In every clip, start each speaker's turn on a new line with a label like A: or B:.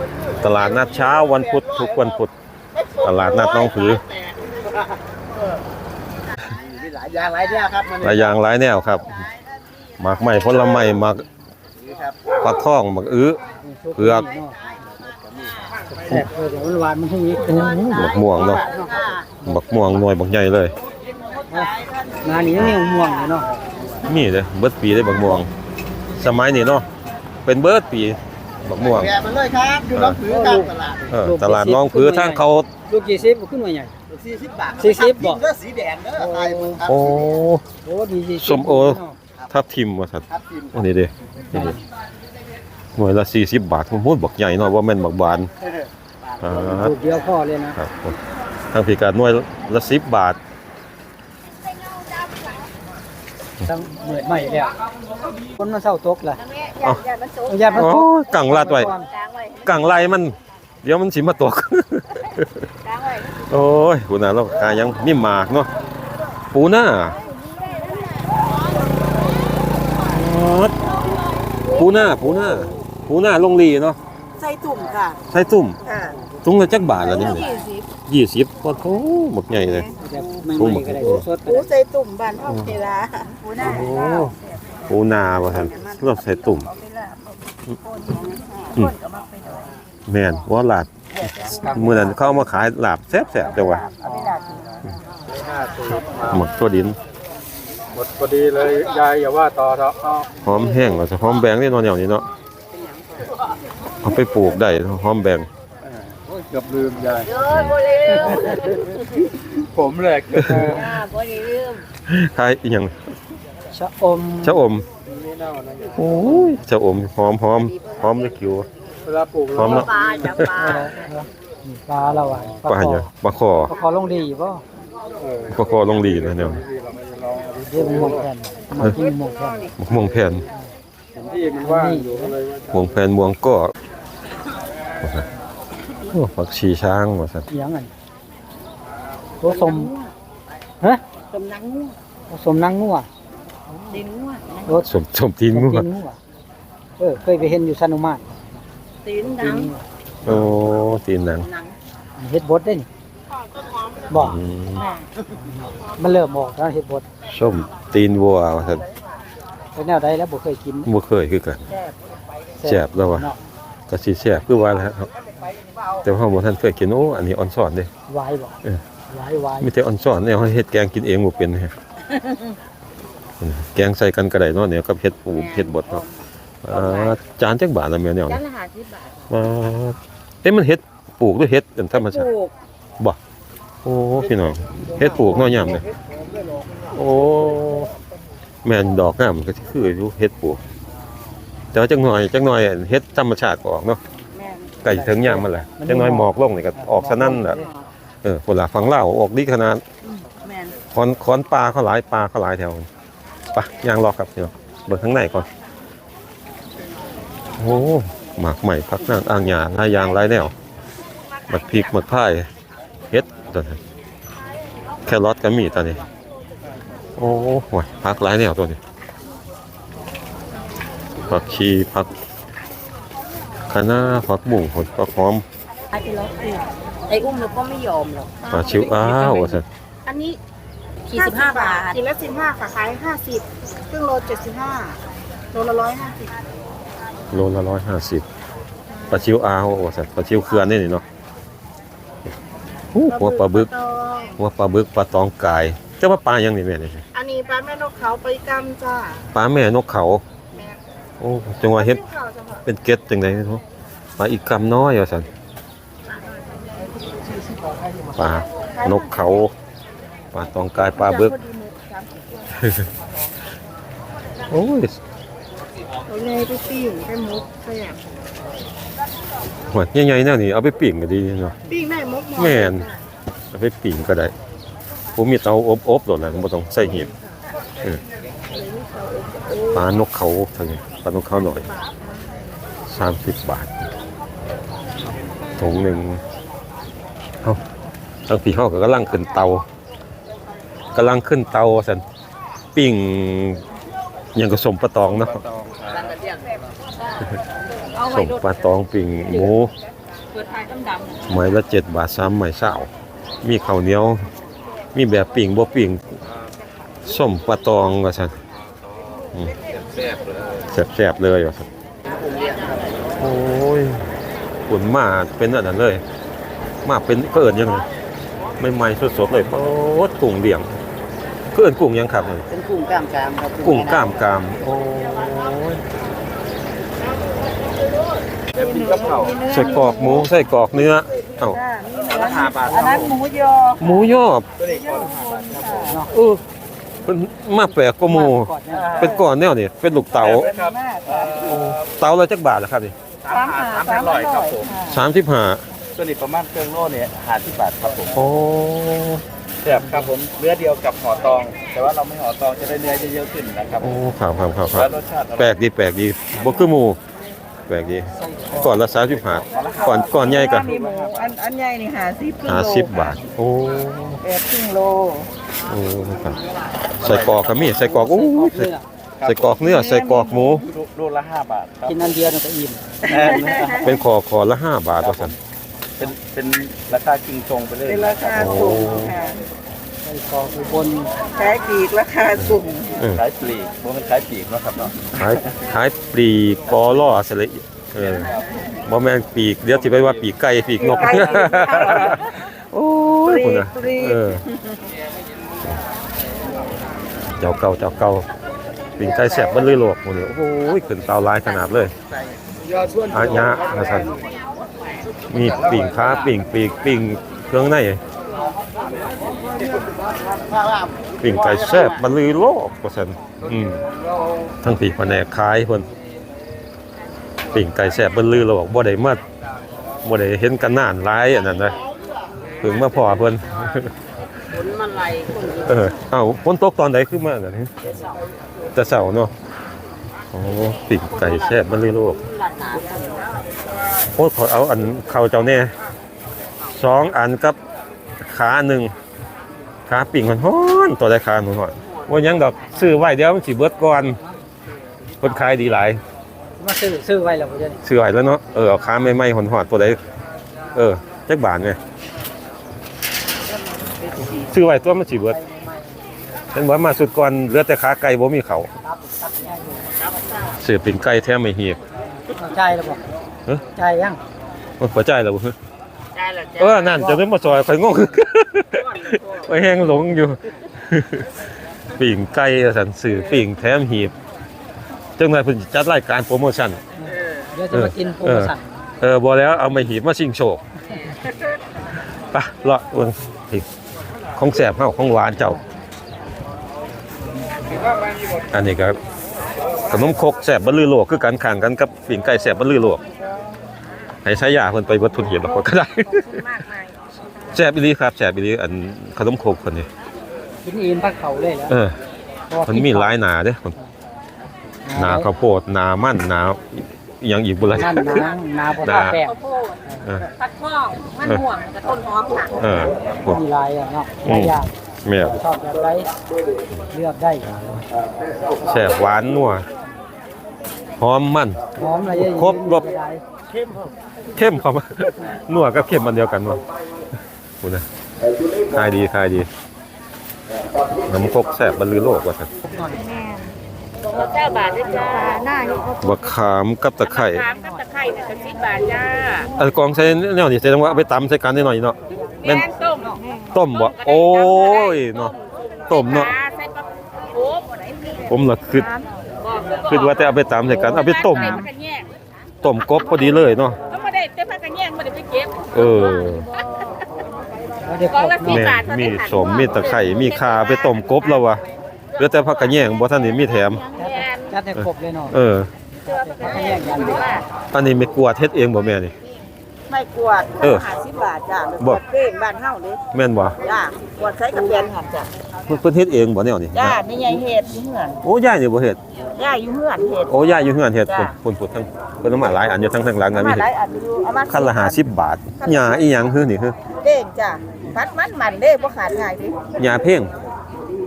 A: ตลาดนัดเช้าวันพุธทุกวันพุธตลาดนัดน้องผือ
B: หลายอย่างหลายแนวครับ
A: หลายอย่างหลายแนวครับหมากไม้ผลไม้หมากฟักทองหมากอื้อเผือก
B: แซ่บเลยหวานมันให้อีก
A: หมากม่วงเนาะหมากม่วงหน่วยบักใหญ่เลย
B: งานนี้ยังม่วงอยู่เนาะ
A: มีเลยเบิดปีได้หมากม่วงสมัยนี้เนาะเป็นเบิดปีหมากม่วง
B: มันเลยครับอยู่น้องผือครับ
A: ตลาดน้องผือทางเขา
B: ลูกกี่สิบขึ้นมาใหญ่40 บาท40บ่ก็สีแดงเด้อ
A: โอ้
B: โหดี
A: ส้มโอทับทิมว่าซั่นโอ้นี่เด้หน่วยละ40 บาทพูดบักใหญ่เนาะว่าแม่นบักบาน
B: ลูกเดียวพอเลยนะครับ
A: ทางพิการหน่วยละ10 บาท
B: ต้องเหนื่อยใหม่แล้วคนมาเศร้าตกล่ะ
A: อย่ามันตกกังลาดไว้กังไล่มันเดี๋ยวมันสิมาตกโอ้ยปูนาเรากายังมีหมากเนาะปูนาลงลีเนาะ
C: ใส่ตุ่มค่ะ
A: ใส่ตุ่มถุงละจักบาทละนี่20ว่าเขาหมดใหญ่เลย
B: ตุ้มก็ได้สด
C: ใส่ตุ่มบ้านเฮาเวลา
A: ปูนาบ่ทันเราใส่ตุ่มแม่นว่าลาบมื้อนั้นเขามาขายลาบแซ่บๆจังว่าหมดตัวดิน
B: หมดพอดีเลยยายอย่าว่าต่อเถอะ
A: หอมแห้งว่าจะหอมแบงนี่นอนอย่างนี้เนาะเอาไปปลูกได้หอมแบง
B: เกือบลืมยายผมแหลกบ่ได้ลืม
A: ขายอีหยัง
B: ชะอม
A: โอ้ยชะอมหอมเลยคิว
B: เวลาปลูก
A: หอมเนาะ
B: ปลาเราอ่ะ
A: ปลาอย่างปลาคอ
B: ลงดีป่ะ
A: ปลาคอลงดีนะเนี่ย
B: เรื่องมงแผ่นมากิน
A: มงแผ่น
B: ที่มันว่างอยู่อะไร
A: มงแผ่นมวงก็ผักชีช้างว่าสัตว์
B: ยังไงตัวสมฮะ
C: สมนังงัว
B: สมนังงัว
C: ตีนงัว
A: รสสมตีนงัว
B: เคยไปเห็นอยู่ซานุมาต
C: ตีนหนัง
A: โอ้ตีนหนัง
B: เฮ็ดบดได้นี่บอกมันเริ่มบอกแล้วเฮ็ดบด
A: ส้มตีนวัวว่าสัตว์
B: เป็นแนวใดแล้วบ่เคยกิน
A: บ่เคยคือกันแซ่บแล้วว่ะก็สิแซ่บคือว่าแล้วแต่ว่าบ่ทันเคยกินโอ้อันนี้อ่อนซ่อนเด้
B: วายบ่วาย
A: มีแต่อ่อนซ่อนเนี่ยเฮาเฮ็ดแกงกินเองบ่เป็นแฮะแกงใส่กันก็ได้เนาะเนี่ยกับเฮ็ดปูเฮ็ดบดเนาะจานจักบาทละแม่เนี่ย
C: จานละ50 บาท
A: มันเฮ็ดปลูกหรือเฮ็ดเป็นธรรมชาติบ่โอ้พี่น้องเฮ็ดปลูกเนาะยามเนี่ยโอ้แม่นดอกงามก็สิคืออยู่เฮ็ดปลูกแต่ว่าจักหน่อยเฮ็ดธรรมชาติออกเนาะใกล้ถึงยามมันแหละจักหน่อยหมอกลงนี่ก็ออกซะนั่นแหละพุ่นล่ะฝั่งลาวออกดีขนาด
C: แม่น
A: คอนปลาเขาหลายแถวไปย่างรอครับพี่น้องเบิ่งข้างในก่อนโอ้หมากใหม่พักนางอ่างหญ้าหลายอย่างหลายแนวหมักพริกหมักพายเฮ็ดตัวนี้แครอทก็มีตัวนี้โอ้โหพักหลายแนวตัวนี้ผักชีผักคะน้าผักบุ้งผักหอม
C: ไอ้อุ้มเราก็ไม่ยอมหรอก
A: ปลาชิวอ้าวสิ
C: อันนี้ขีด15 บาท
D: ขีดละ15ค่ะขาย50ครึ่งโล75โลละ150
A: โลละ150ปลาชิวอ้าวสิปลาชิวเขื่อนนี่เนาะหัวปลาบึกปลาตองกายเจ้าว่าปลายังนี่แม่นี่
D: อันนี้ปลาแม่นกเขาไปกำจ้า
A: ปลาแม่นกเขาโอ้จังว่าเฮ็ดเป็นเกล็ดจังได๋เนาะปลาอีกกำน้อยว่าซั่นปลานกเขาปลาตองกายปลาบึกโอ้ย
D: เอาไงไปปิ้งไปมุกแซ่บ
A: หัวใหญ่ๆแนวนี้เอาไปปิ้งก็ดีเนาะ
D: ปิ้งได้มุก
A: แม่นเอาไปปิ้งก็ได้ผมมีเตาอบโดดแล้วบ่ต้องใส่หีบปลานกเขาเท่านี้ปลานกเขาหน่อย30 บาทถุงหนึ่งทางพี่เฮาก็กำลังขึ้นเตาสันปิ้งยังก็สมปลาตองเนาะสมปลาตองปิ้งหมู
C: ปิดท้ายดำ
A: ไม้ละ7 บาท3ไม้20มีข้าวเหนียวมีแบบปิ่งบ่ปิ่งส้มปลาตองว่าซั่นแซ่บเลยว่าซั่นโอ้ยขุนมาเป็นอันนั้นเลยมาเป็นเอิ้นยังไงใหม่ๆสดๆเลยโอ๊ดกุ้งเลี้ยงเอิ้นกุ้งยังครับนี่
C: เป็นกุ้งกล้ามกรามครับ
A: กุ้งกล้ามกรามโอ้ยใส่กรอกหมูใส่กรอกเนื้อเอ้า
D: อันนั้นหมูยอ
A: หมูยอบเออเป็นมาแปลกกว่าหมู เป็นก้อนแนวนี่เป็นลูกเต๋า
D: มากค่ะ
A: เต๋าละจักบาทล่ะครับนี่
D: 300ครับผม
A: 35
E: ตัวนี้ประมาณเครื่องโล่เนี่ย50 บาทครับผม
A: โอ้
E: แซ่บครับผมเนื้อเดียวกับห่อตอง แต่ว่าเราไม่ห่อตองจะได้เนื้อเยอะๆขึ้นนะครับ
A: โอ้ครับ
E: แล้วรสชาติอร่อย
A: แปลกดีบ่คือหมูแปลกดีก่อนละ35ก่อนใหญ่ก็
D: มีหมูอันใหญ่นี่
A: 50 บาทโอ้
D: ครึ่งโล
A: โอ้ครับใส่กรอกก็มีใส่กรอกโอ้ยใส่กรอกเนื้อใส่กรอกหมู
E: ลูกละ5 บาทครับ
B: กินอันเดียวเนี่ยก็อิ่ม
A: เป็นคอละ5 บาทว่าซั่น
E: เป็นราคาคิงชงไปเลย
D: เป็นราคาสูงค่ะ
B: ใส่กรอกอุบล
D: ขายปลีกราคาสูง
E: ขายปลีกบ่แม่นขายปลีกเนาะครับเนาะ
A: ขายปลีกกอล่อสละอิบ่แม่นปีกเดี๋ยวสิไปว่าปีกไก่ปีกนก โอ้ยพุ่นน่ะเจ้าเก่าปิ่งไก่แซ่บบ่เลยโลกพุ่นนี่โอ้ยขึ้นเตาลายขนาดเลยอาญะว่าซั่นมีปิ่งขาปิ่งปีกปิ่งเครื่องในปิ่งไก่แซ่บบ่เลยโลกว่าซั่นทั้งปีกแผนกขายเพิ่นปิ่งไก่แซ่บบ่ลือโลกบ่ได้เห็นกันนานหลายอันนั้นนะเพิ่งมาพอเพิ่น
C: ผลมันไหลคน
A: เอ้าฝนตกตอนใดขึ้นมาอันนี้แต่เช้าเนาะโอ้ปิ่งไก่แซ่บบ่ลือโลก
C: หลัดหนา
A: โอ้ขอเอาอันเข้าเจ้าแน่2 อันกับขา1ขาปิ่งมันฮ้อนตัวได้ขาหนูฮ้อนว่าหยังดอกซื้อไว้เดี๋ยวมันสิเบิดก่อนเพิ่นขายดีหลาย
B: มาซื้อไว้แล้วบ่จะนี่
A: ซื้อไว้แล้วเนาะเอาขาใหม่ๆฮ้อนๆตัวใดจักบาทแม่ซื้อไว้ตัวมันสิเบิดเห็นว่ามาสุดก่อนเหลือแต่ขาไก่บ่มีเขาซื้อปิ่งไก่แท้ไม่เหียบ
B: จ่ายแล้วบ่จ่ายยัง
A: มันบ่จ่ายแล้วบ่
C: ได้แล้วจ้ะ
A: นั่นจะได้มาซอยข่อยงง ไปแห้งหลงอยู่ ปิ่งไก่สันสื่อปิ่งแถมหีบจังไดเพิ่นจัดรายการโปรโมชั่น
B: เดี๋ยวจะมากินโปรโมชั่น
A: บ่แล้วเอามาหีบมาชิงโชคไปเลาะเบิ่งอีกของแซ่บเฮาของหวานเจ้า อันนี้ก็ขนมครกแซ่บบ่ลือโลกคือกันข้างกันกับปิ่งไก่แซ่บบ่ลือโลกให้ใช้ยาเพิ่นไปเบิดทุนเหียบแล้วก็ได้
D: มากมาย
A: แซ่บอีหลีครับแซ่บอีหลีอันขนมครกเพิ่นนี่
B: กินอิ่มพักเขาเลยแล้ว
A: มันมีหลายหนาเด้หนาข้าวโพดหนามันหนาอีหยังอีกบ่ล่ะ
B: นั่นนาบ่ท่าแป้ง
C: ข้าวโพดผักข้องมันม่วงกับต้นหอมค่ะ
A: พวก
B: มีลายอ่ะเนาะหลายอย่าง
A: แม่น
B: ชอบแบบไรเลือกได้
A: แซ่บหวานนัวหอมมัน
B: หอมอะไรเยอะ
A: ครบรส เข้มเข้ามา นัวกับเข้มมันเดียวกันว่ะพูดนะขายดีน้ำครกแซ่บบ่ลือโลกว่าซั่น
C: ตัวเจ้าบาทด้วยจ้าหน้าอยู่
A: บักขามกับตะไคร้
C: ถามกับตะไคร้เนี่ยจะ10 บาทจ้า
A: อันกองใส่แนวนี้แสดงว่าเอาไปตำใส่กันได้หน่อยเนาะแม่น
C: แม่นต้ม
A: ต้มบ่โอ้ยเนาะต้มเนาะ
C: ใส่ปลาโอ้บ่ได้มี
A: ผมล่ะคิดว่าแต่เอาไปตำใส่กันเอาไปต้ม
C: ผักกระแยง
A: ต้มกบพอดีเลยเนาะ
C: ก็บ่ได้แต่ผักกระแยงบ่ได้ไปเก็บ
B: เดี๋ยว
C: กองละ
A: แม่มีสมมีตะไคร้มีข่าไปต้มกบแล้ววะเหลือแต่ผักกระแยงบ่ทันได้มีแถม
B: จัดให้ครบเลยเนาะเขาแยกกัน
A: อันนี้ไม่กลัวเฮ็ดเองบ่แม่นี่
D: ไม่กวด50 บาทจ้ะ
A: บ่
D: เป้งบ้านเฮาเด้
A: แม่นบ่
D: จ้ะกวดใช้กับเปลี่ยนหันจ้ะ
A: เพิ่นเฮ็ดเองบ่แนวนี้
D: จ้านี่ยายเฮ็ดอยู่เฮือน
A: โอ้ยายนี่บ่เฮ็ด
D: ย่าอยู่เฮือนเฮ็ด
A: โอ้ยายอยู่เฮือนเฮ็ดพุ่นทั้งเพิ่นเอามาหลายอันอยู่ทั้งหลังก็มี
D: มาหลายอันอยู่เอามา
A: คันละ50 บาทหญ้าอีหยังคือนี่คือ
D: เด้งจ้ะพัดมันเด้บ่ขาดง่ายดิ
A: หญ้าเพ่ง
D: เ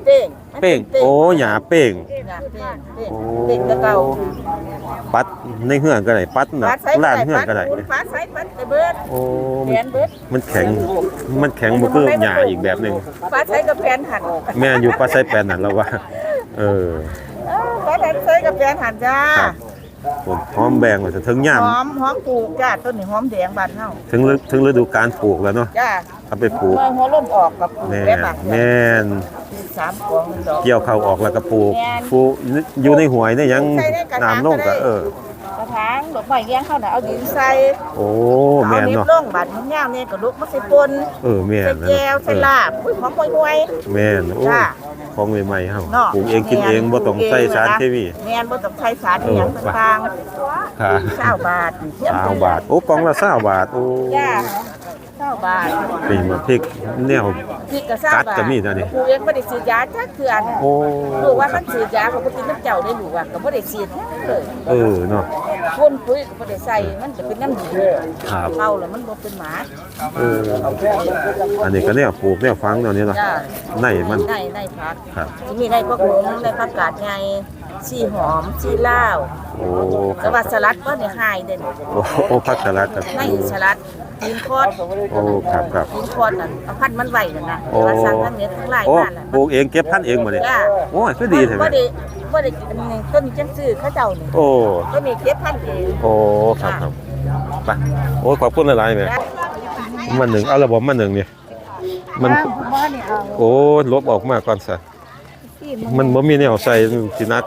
C: ป้ง
A: เป้งโอ้หญ้าเป้ง
C: หญ้าเป้ง
A: โอ้
C: เป้งตะเก่า
A: ปัดในเฮือนก็ได้ปัดน่ะ
C: ปัดใส่
A: ร้านเฮือนก็ได้
C: ปัดใส่ปัดไปเบิด
A: โอ้
C: แผ่นเบิด
A: มันแข็งบ่คือหญ้าอีกแบบหนึง
C: ปัดใส่กับแผ่นหั่น
A: แม่นอยู่ปัดใส่แปลนนั่นแล้วว่าเออ
C: ปัดใส่กับแผ่นหั่นจ้า
A: ครับผมหอมแบงว่าจะถึงยาม
C: หอมปลูกจ้าต้นนี้หอมแดงบ้านเฮา
A: ถึงฤดูการปลูกแล้วเนาะ
C: จ้า
A: ถ้าไปปลูก
C: เมื่อหัวล่มออกกับปลูก
A: แม่
C: ได้บัก
A: แม่น
C: 3กอง1ดอก
A: เกี่ยวเข้าออกแล้วก็ปลูก
C: แม่น
A: ปลูกอยู่ในห้วยเนี่ยยัง
C: ใส่ในกระถาง
A: น้ำลง
C: ก็
A: ก็
C: ได้ กระถางดอกไม้เลี้ยงเขาน่ะเอาดินใส่
A: โอ้
C: เอา
A: แม่น
C: นิบ
A: เนาะ
C: ลงบัดมันยาวเนี่ยก็ลุกมาใส่ปน
A: แม่น
C: ใส่แก้วใส่ลาบอุ้ยหอมห่วย
A: แม่นโอ้
C: จ้า
A: ของใหม่ๆเฮา
C: ๆเนาะ
A: ปลูกเองกินเองบ่ต้องใส่สารเคมี
C: แม่นบ่ต้องใส่สารอีหยังต่าง
A: ค่ะ
C: ๆ20บาท
A: 20บาทโอ้กล่องละ20บาทโอ้
C: จ้า20บาท
A: นี่มันพริกแนว
C: พริกก็20
A: กัด
C: บาท
A: ก็มีนะนี่
C: ปลูกเองบ่ได้ฉีดยาจักเทื่อน่ะ
A: โอ้
C: ลูกว่ามันฉีดยาเขาบ่กินน้ำเจ้าได้ลูกว่าก็บ่ได้ฉีดเลย
A: เนาะ
C: พ่นปุ๋ยก็บ่ได้ใส่มันจะเป็นน้ำดี
A: ครับ
C: เข้าแล้วมันบ่เป็นหมา
A: อันนี้ก็แนวปลูกแนวฟังแนวนี้เนาะ
C: จ้า
A: ในมัน
C: ในผัก
A: ครับ
C: จะมีในพวกหงในผักกาดไงชีหอมชีลาว
A: โอ้ค
C: แต่
A: รับ
C: ว่าสลัดก็เนี่ยหายเด่น
A: โอ้ผักสลัดครับ
C: ในสลัดกินคอด
A: โอ้ครับครับ
C: กินคอดนั่นเอาพันธุ์มันไหวนั่นนะ
A: โอ้
C: แต่ว่าสั่งทั้งเน็ตทั้งไลน์
A: โอ้
C: มาน่ะ
A: ปลูกเองเก็บพันธุ์เองมาเลย
C: จ้า
A: โอ้ยก็ดีใช่ไหม
C: บ่ได้อันนี้ต้นจังซื้อเขาเจ้านี่
A: โอ้
C: ต้นนี้เก็บพันธุ์เอง
A: โอ้ครับครับไปโอ้ยขอบคุณหลายๆแม่มันหนึ่งเอาระบบมันหนึ่งเนี่ยมันโอ้ลบออกมาก่อนซะมันบ่มีแนวใส่สินัก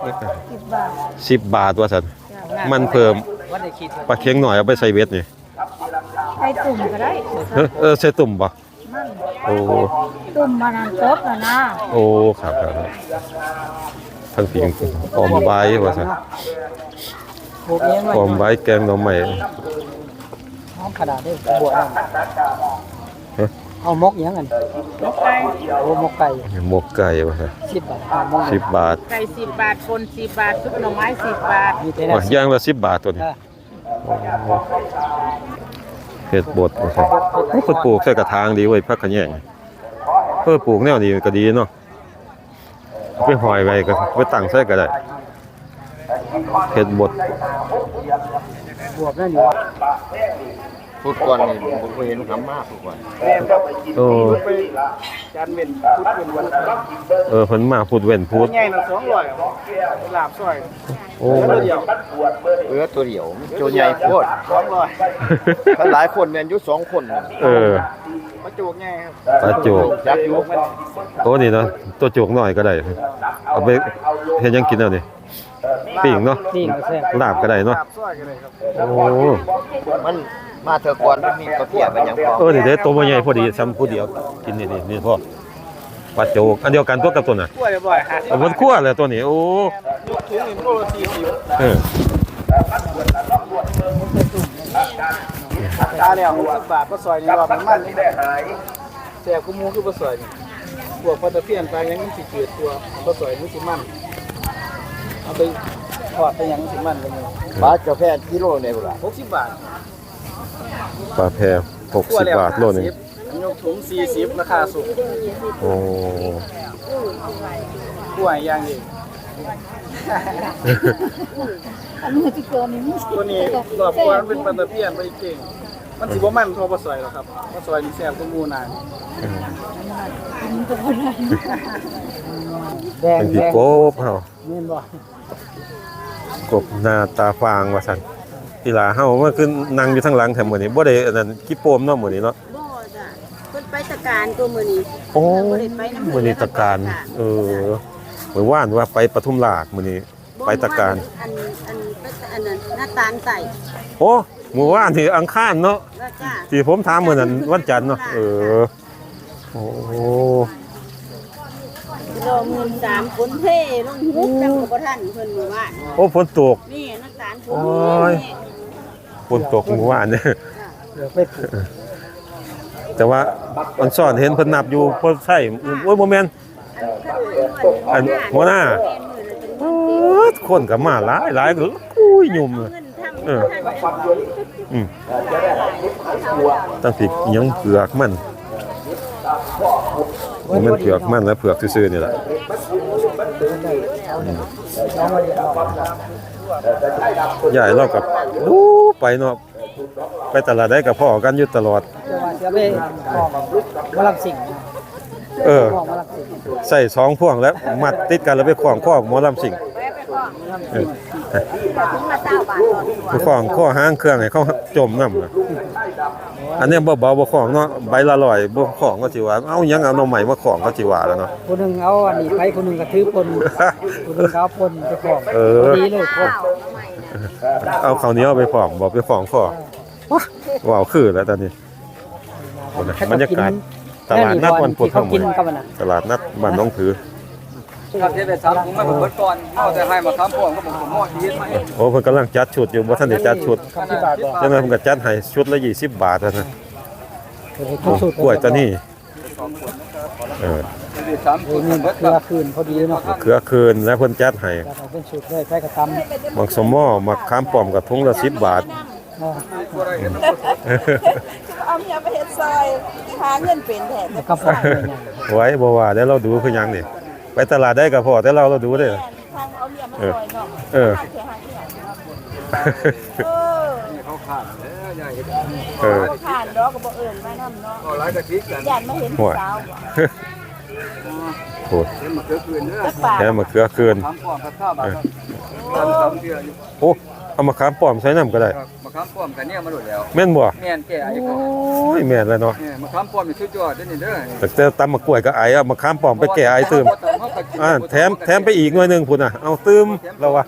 A: 10 บาทว่าซั่นมันเพิ่มปลาเค็งหน่อยเอาไปใส่เบ็ดนี่
D: ไปตุ่มก็ได้
A: ใส่ตุ่มบ่โอ้
D: ตุ่มมันนั่นตบน่ะนะ
A: โอ้ครับครับทั้งผิงออมใบว่าซั่น
B: ปลูกเองไว้
A: ออมใบแกงหน่อไม้
B: หอมขนาดนี้บวชเอามกหยังกันโอ้มกไก่
A: หมกไก่ว่าซั่น
B: 10 บาทเอามก
A: 10 บาท
C: ไก่10 บาทคน10 บาทซุปหน่อไม้10 บาท
B: มีแต่
A: ว่าอย่างละ10 บาทตัวนี้เฮ็ดบดว่าซั่นโอ้เพิ่นปลูกใส่กระถางดีเว้ยผักขะแยงปลูกแนวนี้ก็ดีเนาะเอาไปห้อยไว้ก็ไปตั้งใส่ก็ได้เฮ็ดบด
B: บวบนั่นอยู่
E: พูดก่อนนี่ผมเคยเห็นคำมากพูดก่อน
A: โอ้
E: จานเว้นพูดเป็นวัน
A: เพิ่นมาพูดเว้นพูด
E: ใหญ่น่ะ200ลาบซอย
A: โอ้
E: เดียวตัวเดียวโจใหญ่โคตร200ถ้าหลายคนเนี่ยอยู่2คนมาโจกใหญ่ครับ
A: ปลาโจก
E: ยักษ์อยู่มัน
A: โอ้นี่เนาะตัวโจกน้อยก็ได้เอาไปเฮ็ดหยังกินเอานี่ปิ้งเนาะ
B: ปิ้งก็แซ่บ
A: ลาบก็ได้เนาะ
E: ลาบซอยกันเลยครับ
A: โอ้
E: มันมาเถอะก่อนมันมีกาแฟเป็นหยังพอ
A: นี่เด้ตัวบ่ใหญ่พอดีซ้ำผู้เดียวกินนี่พ่อปลาโจกอันเดียวกันตัวกับตัวน่ะ
E: กล้วยบ่อยฮะ
A: เอาบนคั่วเลยตัวนี้โอ้
E: ยกถุง1โล40
A: เออ
E: ตาแล้ว60 บาทก็ซอยนี่ว่ามันนี่แซ่บกูมูคือบ่ซอยนี่พวกปลาตะเพียนปลาหยังมันสิจืดตัวบ่ซอยมันสิมันเอาไปทอดไปหยังมันสิมันกันอยู่
F: บาทกาแฟกิโลเนี่ยพุ่นล่ะ
E: 60 บาท
A: ปลาแพร60 บาทโลนึง
E: ยกถุง40ราคาสูง
A: โอ้
E: กล้วยอย่างนี้
D: อันนี้ที่เกินนี่
E: ตัวนี้รอบก่อนเป็นปลาตะเพียนไปเก่งมันสิบ่มันเท่าปลาซอยหรอกครับปลาซอยนี่แซ่บกว่าหมู่นาน
B: แดง
A: เป็น
B: แด
A: พี่
B: ง
A: กบเฮา
B: แม่นบ่
A: กบหน้าตาฟางว่าซั่นอีหลาเฮามันคือนั่งอยู่ทางหลังแถมมื้อนี้บ่ได้อันนั้นขี้โปมเนาะมื้อนี้เนาะ
C: บ่จ้ะเพิ่นไปตะการตัวมื้อนี้
A: โอ้มื้อนี้ตะการเมื่อวานว่าไปปทุมราชมื้อนี้ไปตะการ
C: อันนั้นหน้าตาลไก่
A: โอ้เมื่อวานที่อังคารเนาะ
C: ว่าจ้า
A: ที่ผมถามมื้อนั้นวันจันทร์เนาะโอ้
C: โลมื้อ3คนเท่ลงฮุบจังบ่ทันเพิ่นมื้อวาน
A: โอ้ฝนตก
C: นี่น้ำตาลผ
A: โอ้ย ฝนตกเมื่อวานเนี่ย
B: เดี๋ยวไปปลูก
A: แต่ว่าอันซ่อนเห็นเพิ่นนับอยู่เพิ่นใช้โอ้ยบ่แม่นอันหัวหน้าคนก็มาหลายก็อุ้ยยุ่มเลยตั้งผิดยังเผือกมันมันเผือกมันและเผือกซื่อๆนี่แหละ
B: น้องมาเรียนออก
A: ใหญ่เรากับดูไปเนาะไปตลาดได้กับพ่อกันอยู่ตลอด
B: จะว่าจะไปออกมาลับสิ่ง
A: เออ
B: ออกมาลับสิ่ง
A: ใส่สองพ่วงแล้วมัดติดกันแล้วไปขวางข้อหมอลำสิง เออ
C: ถึงมาเจ้าบาทก่อน
A: ไปขวางข้อห้างเครื่องให้เขาจมน้ำน่ะอันนี้บ่เบาบ่ของเนาะใบละร้อยบ่ของก็สิว่าเอ้ายังเอาหน่อใหม่มาของก็สิว่าแล้วเนาะ
B: คนหนึ่งเอาอันนี้ไปคนหนึ่งกระทืบคนคนหนึ่งเอาคนไปของ
A: เออ
B: ดีเลยคน
A: เอาข้าวเหนียวไปของบ่ไปของข้อว้าวคือแล้วตอนนี้บรรยากาศตลาดนัดวันพุธ
B: เขา
A: ทั้งหม
B: กิ
A: ด
B: นกันนะ
A: ตลาดนัดบ้านหน้องผือ
E: ครับเทศได้3ถุงมาผมเบิดก่อนเอาแต่ให้มา3พวงก็ผมหม้อชีวิตมาเอง
A: โอ้เพิ่นกำลังจัดชุดอยู่บ่ทันได้จัดชุด
E: ที่บาทบ่
A: จังนั้นเพิ่นก็จัดให้ชุดละ20 บาทเท่านั้น
B: ทุกสูตร
A: กล้วยตัวนี้เออ
E: ได้3ถุง
B: นี่
E: เบิด
B: เครือคืนพอดีเนาะ
A: เครือคืนแล้วเพิ่นจัดให้
B: จะเป็นสูตรเลยไปกระตำ
A: มักสมอมักขามป้อมกับถุงละ10 บาท
D: เอาเมียไปเฮ็ดซอยหาเงินเป็นแทน
B: แล้วก็ปล่อยเลยเนี่ย
A: ไว้บ่ว่าแล้วเราดูคือหยังนี่ไปตลาดได้ก็พอแต่เราดูได้อ
D: ทางเอาเมียมาซอยเนาะ
A: เออ
D: ทางเสียหายที่ไหนเออ
E: เขาขาดแล้วยายเห็น
A: เออ
D: เขาผ่านดอกก็บ่เอิ้นมานำเนาะ
E: เอาหลายกะทิกัน
D: ย่านมาเห็นผู้สาวบ่
A: โอ้
E: เห็นมาเกือคืนเด้อ
D: จักบาท
A: แค่มะเขือคืน
E: 3พวงกับข้าวบาทครับ3เดือนอยู่
A: โอ้เอามาขามป้อมใส่น้ำก็ได้
E: ครับมะขามป้อมกันเนี่ยมาโดดแล้ว
A: แม่นบ่
E: แม่นแก่ไอ้
A: โอ
E: เขา
A: ้ยแม่นแล้วเนาะ
E: เนี่ยมะขามป้อมนี่สุดยอดเด้อนี่เด้อ
A: แต่ตำมะกล้วยก็ไอเอามาขามป้อมไปแก่ไอตื่มแถมไปอีกหน่วยหนึงพุ่นน่ะเอาตื่มเราว่า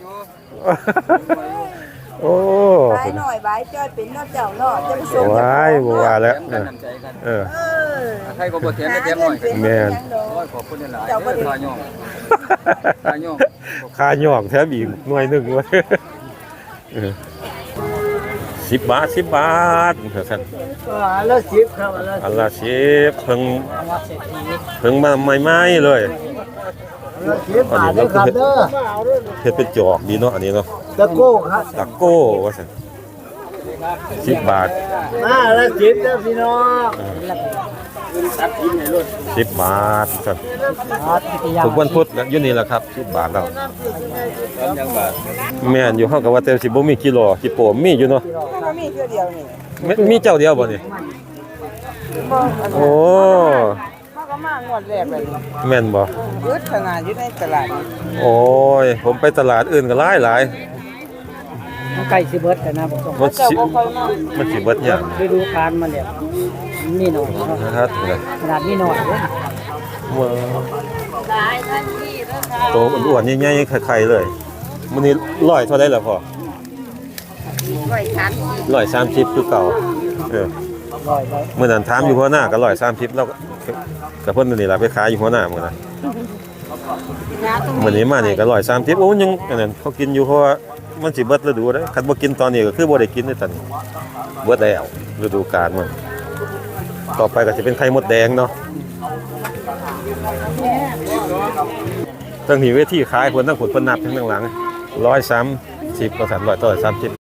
A: โอ้
D: บายหน่อยบายจ้อยเป็นเนาะเจ้าเนาะจะไปส่ง
A: ว้ายบ่ว่าแล้ว
E: กันน้ำใจกัน
A: เออ
D: เออ
E: ใครก็บ่แถมได้แถมหน่อย
A: แม่น
E: โอ้ยขอบคุณหลายๆเด้อทายองทายอง
A: ค่าหยอกแถมอีกหน่วยหนึงเว้ยเออ10 บาท10 บาทซั่น
B: แล้วสิบครับแล้ว
A: อันละ10เพิ่ง
B: ว่าเศรษฐี
A: เพิ่งมาใหม่ๆเลย
B: แล้วสิบบาทเลยครับเด้อ
A: เฮ็ดเป็นจอกดีเนาะอันนี้เนาะ
B: ตะโก้ครับ
A: ตะโก้ว่าซั่น10 บาท
B: มาแล้วสิบแล้วพี่น้อง
A: 10 บาทครับทุกวันพุธแล้วอยู่นี่แหละครับ10 บาทแล้วแม่นอยู่เฮาก็ว่าแต่สิบ่มีกิโลสิโปมมีอยู่เนาะ
D: ก็มีเทื่อเดียวนี่
A: มีเจ้าเดียวบ่นี่
D: บ่อัน
A: โอ้
D: เขาก็มางวดแรกเลย
A: แม่นบ่
D: อึดขนาดอยู่ในตลาดนี่
A: โอ้ยผมไปตลาดอื่นก็หลาย
B: มันใกล้สิเบิดแล้วนะผม
A: ๆมัน
D: เจ้า
A: สิ
D: บ่ค่อยมา
A: มันสิเบิดหยัง
B: ฤดูกาลมาแล้วนี่หน่อยเนาะ
A: นะครับ
B: ขนาดนี้หน่อยเด้อ
C: ได้ทันทีเด้อค่ะ
A: โตอ้วนๆใหญ่ๆไข่ๆเลยมื้อนี้ร้อยเท่าใดล่ะพ่อ 130คือเก่าเออ
B: ร้อยร้อย
A: มื่อนั้นถามอยู่หัวหน้าก็130แล้วกับเพิ่นนี่ล่ะไปขายอยู่หัวหน้ามื้อนั้นมื้อนี้มานี่ก็130โอ้ยังอันนั้นเขากินอยู่เพราะว่ามันสิเบิดฤดูเด้อคันบ่กินตอนนี้ก็คือบ่ได้กินเด้อตอนนี้เบิดแล้วฤดูกาลมันต่อไปก็สิเป็นไข่มดแดงเนาะตั้งนี้เวทีขายเพิ่นทั้งผลเพิ่นนับทั้งหลัง130ว่าซั่น100ต่อ130